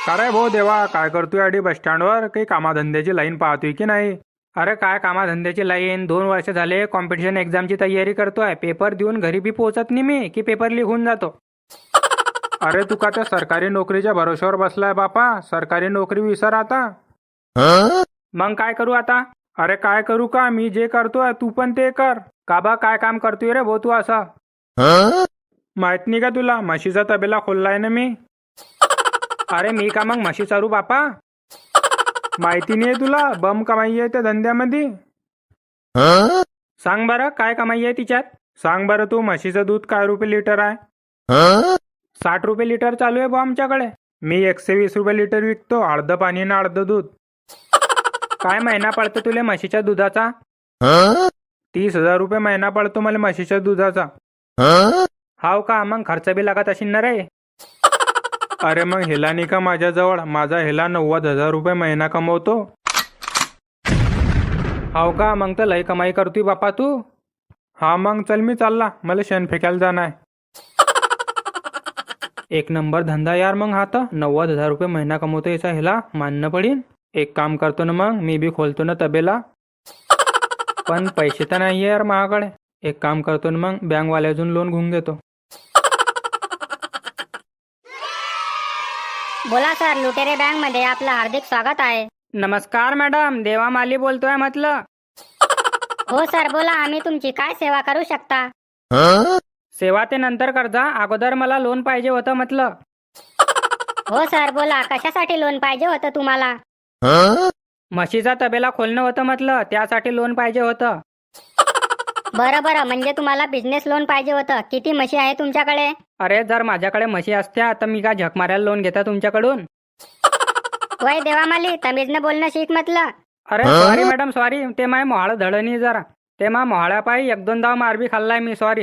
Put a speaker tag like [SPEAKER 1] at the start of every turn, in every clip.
[SPEAKER 1] काय भाऊ देवा, काय करतोय अडी बस स्टँडवर? काही कामाधंद्याची लाईन पाहतोय की नाही? अरे काय कामाधंद्याची लाईन, 2 वर्ष झाले कॉम्पिटिशन एक्झामची तयारी करतोय. पेपर देऊन घरी बी पोहोचत नाही मी की पेपर लिहून जातो. अरे तू का त्या सरकारी नोकरीच्या भरोश्यावर बसलाय बापा? सरकारी नोकरी विसर आता. मग काय करू आता? अरे काय करू का, मी जे करतोय तू पण ते कर. का बा, काय काम करतोय रे भाऊ तू असं? माहित नाही का तुला, म्हशीचा तबेला खोललाय ना मी. अरे मी का मग म्हशी चारू बापा? माहिती नाही तुला? बम कमाई आहे त्या धंद्यामध्ये. सांग बरं काय कमाई आहे तिच्यात? सांग बरं तू, म्हशीचं दूध काय रुपये लिटर आहे? 60 रुपये लिटर चालू आहे बा आमच्याकडे. मी 120 रुपये लिटर विकतो, अर्ध पाणी ना अर्ध दूध. काय महिना पडतो तुले म्हशीच्या दुधाचा? 30,000 रुपये महिना पडतो मला म्हशीच्या दुधाचा. हाव का? मग खर्च बी लागत असेल ना रे. अरे मग हेला नाही का माझ्याजवळ? माझा हेला 90,000 रुपये महिना कमवतो. हाव का? मग तर लय कमाई करतोय बापा तू. हा मग चल, मी चालला, मला शेण फेकायला जाणं आहे. एक नंबर धंदा यार मग हा तर. 90,000 रुपये महिना कमवतो याचा हेला मानणं पडीन. एक काम करतो ना मग, मी बी खोलतो ना तबेला. पण पैसे तर नाही यार माझ्याकडे. एक काम करतो ना मग, बँकवाल्यातून लोन घेऊन घेतो.
[SPEAKER 2] बोला सर, लुटेरे बँक मध्ये आपलं हार्दिक स्वागत आहे.
[SPEAKER 1] नमस्कार मॅडम, देवा माली बोलतोय म्हटलं.
[SPEAKER 2] हो सर बोला, आम्ही तुमची काय सेवा करू शकता?
[SPEAKER 1] सेवा ते नंतर करजा, अगोदर मला लोन पाहिजे होतं म्हटलं.
[SPEAKER 2] हो सर बोला, कशासाठी लोन पाहिजे होतं तुम्हाला?
[SPEAKER 1] म्हशीचा तबेला खोलणं होतं म्हटलं, त्यासाठी लोन पाहिजे होतं.
[SPEAKER 2] बरं बरं, म्हणजे तुम्हाला बिझनेस लोन पाहिजे होतं. किती म्हशी आहे तुमच्याकडे?
[SPEAKER 1] अरे जर माझ्याकडे म्हशी असत्या तर मी का झक मारायला लोन घेता तुमच्याकडून?
[SPEAKER 2] वय देवामाली, तमीजनं बोलणं शिक म्हटलं.
[SPEAKER 1] अरे सॉरी मॅडम, सॉरी. ते माय मोहाळ धडणी जरा. ते मा मोहाळ्या पायी 1-2 दाव मारबी खाल्लाय मी, सॉरी.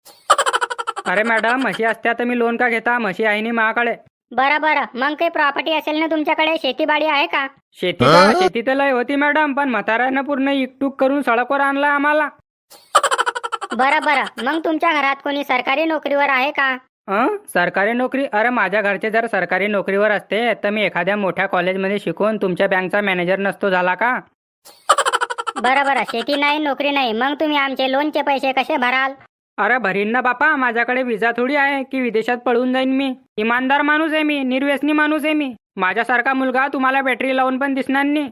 [SPEAKER 1] अरे मॅडम, म्हशी असत्या तर मी लोन का घेता? म्हशी आहे नाही माझ्याकडे.
[SPEAKER 2] बरं बरं, मग काही प्रॉपर्टी असेल ना तुमच्याकडे? शेतीबाडी आहे का?
[SPEAKER 1] शेती तर लय होती मॅडम, पण म्हाताऱ्यानं पूर्ण इकटूक करून सडकवर आणलाय आम्हाला.
[SPEAKER 2] बरं बरं, मग तुमच्या घरात कोणी सरकारी नोकरीवर आहे का?
[SPEAKER 1] सरकारी नोकरी? अरे माझ्या घरचे जर सरकारी नोकरीवर असते तर मी एखाद्या मोठ्या कॉलेजमध्ये शिकून तुमच्या बँकचा मॅनेजर नसतो झाला का?
[SPEAKER 2] बरं बरं, शेती नाही नोकरी नाही, मग तुम्ही आमचे लोनचे पैसे कसे भराल?
[SPEAKER 1] अरे भरीन ना बापा, माझ्याकडे विजा थोडी आहे की विदेशात पळून जाईन मी. इमानदार माणूस आहे मी, निर्व्यसनी माणूस आहे मी. माझ्यासारखा मुलगा तुम्हाला बॅटरी लावून पण दिसणार नाही.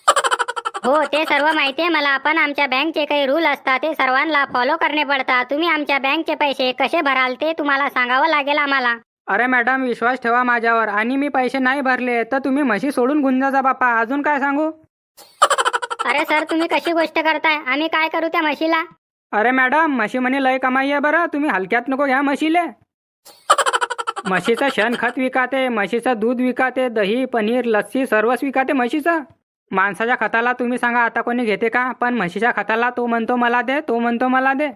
[SPEAKER 2] हो ते सर्व माहिती आहे मला, पण आमच्या बँकचे काही रूल असतात, ते सर्वांना फॉलो करणे पडतात. तुम्ही आमच्या बँकचे पैसे कसे भराल ते तुम्हाला सांगावं लागेल आम्हाला.
[SPEAKER 1] अरे मॅडम, विश्वास ठेवा माझ्यावर. आणि मी पैसे नाही भरले तर तुम्ही म्हशी सोडून घेऊन जा बापा. अजून काय सांगू?
[SPEAKER 2] अरे सर, तुम्ही कशी गोष्ट करताय? आम्ही काय करू त्या म्हशीला?
[SPEAKER 1] अरे मॅडम, म्हशी म्हणे लय कमाई आहे बरं, तुम्ही हलक्यात नको घ्या म्हशीले. म्हशीचं शेणखत विकाते, म्हशीचं दूध विकाते, दही पनीर लस्सी सर्वच विकाते म्हशीचं. माणसाच्या खताला तुम्ही सांगा आता कोणी घेते का? पण म्हशीच्या खताला तो म्हणतो मला दे, तो म्हणतो मला दे.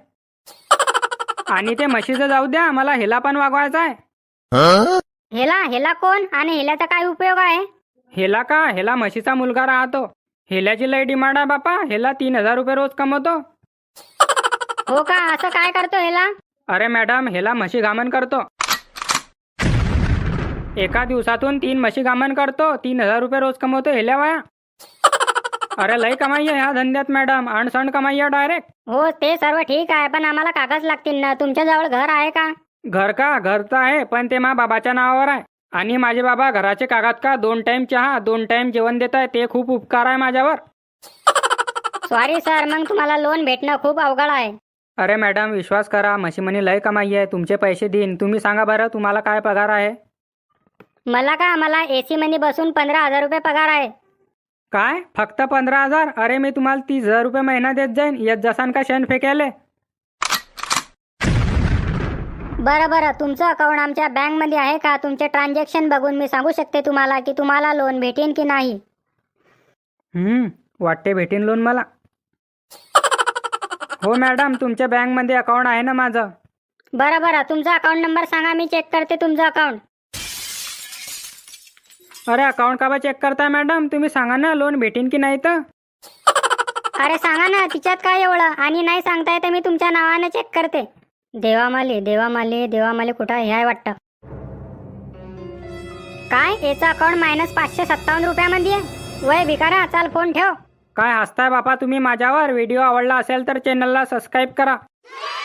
[SPEAKER 1] आणि ते म्हशीचं जाऊ द्या, मला हेला पण वागवायचा आहे.
[SPEAKER 2] हेला? हेला कोण? आणि हेल्याचा काय उपयोग आहे?
[SPEAKER 1] हेला का? हेला म्हशीचा मुलगा राहतो. हेल्याची लय डिमांड आहे बापा. हेला 3,000 रुपये रोज कमवतो.
[SPEAKER 2] हो का? असं काय करतो हेला?
[SPEAKER 1] अरे मॅडम, हेला म्हशी गामन करतो. एका दिवसातून 3 म्हशी गामन करतो. 3,000 रुपये रोज कमवतो हेल्या वाया. अरे लय कमाई आहे ह्या धंद्यात मॅडम, अणसण कमाई आहे डायरेक्ट.
[SPEAKER 2] हो ते सर्व ठीक आहे, पण आम्हाला कागद लागतील ना. तुमच्याजवळ घर आहे का?
[SPEAKER 1] घर का? घर तर आहे, पण ते मा बाबाच्या नावावर आहे. आणि माझे बाबा घराचे कागद का 2 टाइम चहा 2 टाइम जेवण देत आहे, ते खूप उपकार आहे माझ्यावर.
[SPEAKER 2] सॉरी सर, मग तुम्हाला लोन भेटणं खूप अवघड आहे.
[SPEAKER 1] अरे मॅडम विश्वास करा, म्हशी म्हणे लय कमाई आहे, तुमचे पैसे देईन. तुम्ही सांगा बरं तुम्हाला काय पगार आहे?
[SPEAKER 2] मला एसी मध्ये बसून 15,000 रुपये पगार आहे.
[SPEAKER 1] काय? फक्त 15,000? अरे मी तुम्हाला 30,000 रुपये महिना देत जाईन, येत जसान का शेण फेकायले.
[SPEAKER 2] बरं बरं, तुमचं अकाउंट आमच्या बँक मध्ये आहे का? तुमचे ट्रान्झॅक्शन बघून मी सांगू शकते तुम्हाला की तुम्हाला लोन भेटेन की नाही.
[SPEAKER 1] वाटते भेटेन लोन मला. हो मॅडम, तुमच्या बँक मध्ये अकाउंट आहे ना माझं.
[SPEAKER 2] बरं बरं, तुमचा अकाउंट नंबर सांगा, मी चेक करते तुमचं अकाउंट.
[SPEAKER 1] अरे अकाउंट का बा चेक करताय मॅडम? तुम्ही सांगा ना लोन भेटेन की नाही तर.
[SPEAKER 2] अरे सांगा ना, तिच्यात काय एवढं? आणि नाही सांगताय तर मी तुमच्या नावाने चेक करते. देवामाली देवामाली देवामाली कुठं हे आहे वाटतं. काय याचा अकाउंट -557 रुपयामध्ये आहे? वय भिकारा, चाल फोन ठेव.
[SPEAKER 1] काय हसताय बापा तुम्ही माझ्यावर? व्हिडिओ आवडला असेल तर चॅनलला सबस्क्राईब करा.